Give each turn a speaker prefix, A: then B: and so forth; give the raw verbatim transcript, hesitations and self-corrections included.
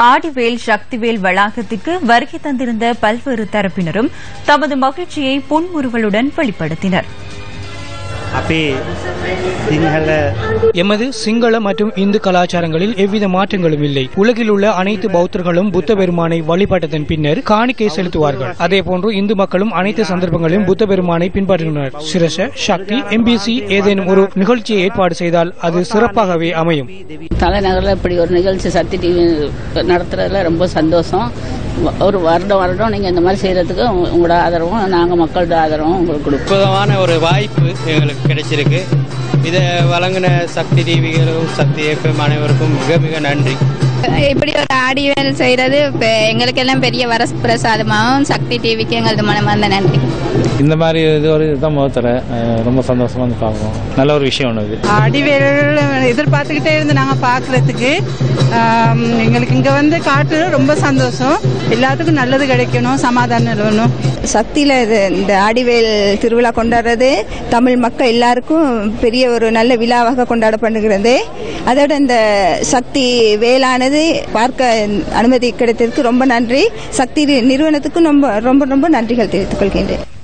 A: ஆடிவேல் சக்திவேல் வளாகத்திற்கு வருகை தந்திருந்த பல்வேறு தரப்பினரும் தமது மகிழ்ச்சியை புன்முறுவலுடன் வெளிப்படுத்தினர்.
B: எமது சிங்கள மற்றும் இந்து கலாச்சாரங்களில் எவ்வித மாற்றங்களும் இல்லை. உலகில் உள்ள அனைத்து பௌத்தர்களும் புத்த பெருமானை வழிபட்டதன் பின்னர் காணிக்கை செலுத்துவார்கள். அதேபோன்று இந்து மக்களும் அனைத்து சந்தர்ப்பங்களிலும் புத்த பெருமானை பின்பற்றுகின்றனர். சிரச சக்தி எம்பிசி ஏதேனும் ஒரு நிகழ்ச்சியை ஏற்பாடு செய்தால் அது சிறப்பாகவே அமையும்.
C: தலைநகரில் இப்படி ஒரு நிகழ்ச்சி சக்தி டிவி நடத்துறதுல ரொம்ப சந்தோஷம். ஒரு வருடம் வருடம் நீங்க இந்த மாதிரி செய்யறதுக்கு உங்களோட ஆதரவும் நாங்க மக்களோட ஆதரவும் உங்களுக்கு
D: கொடுப்பதான ஒரு வாய்ப்பு எங்களுக்கு கிடைச்சிருக்கு. இதை வழங்கின சக்தி டிவிகளும் சக்தி எஃப்எம் அனைவருக்கும் மிக மிக நன்றி.
E: இப்படி ஒரு ஆடிவேல் செய்யறது எங்களுக்கு எல்லாம் பெரிய வரப்பிரசாதமாகவும் சக்தி டிவிக்கு எங்களது மனமார்ந்த நன்றி.
F: இந்த மாதிரி இது ஒரு இதுதான் முகத்தர ரொம்ப சந்தோஷமா வந்து பார்க்குறோம். நல்ல ஒரு விஷயம் ஒன்று.
G: ஆடிவேல் எதிர்பார்த்துக்கிட்டே இருந்து நாங்கள் பார்க்கறதுக்கு எங்களுக்கு இங்கே வந்து காட்டு ரொம்ப சந்தோஷம். எல்லாத்துக்கும் நல்லது கிடைக்கணும், சமாதானம் நிலவணும்.
H: சக்தியில இந்த ஆடிவேல் திருவிழா கொண்டாடுறது தமிழ் மக்கள் எல்லாருக்கும் பெரிய ஒரு நல்ல விழாவாக கொண்டாடப்படுகிறது. அதோட இந்த சக்தி வேளானது பார்க்க அனுமதி கிடைத்ததுக்கு ரொம்ப நன்றி. சக்தி நிறுவனத்துக்கும் ரொம்ப ரொம்ப ரொம்ப நன்றிகள் தெரிவித்துக் கொள்கின்றேன்.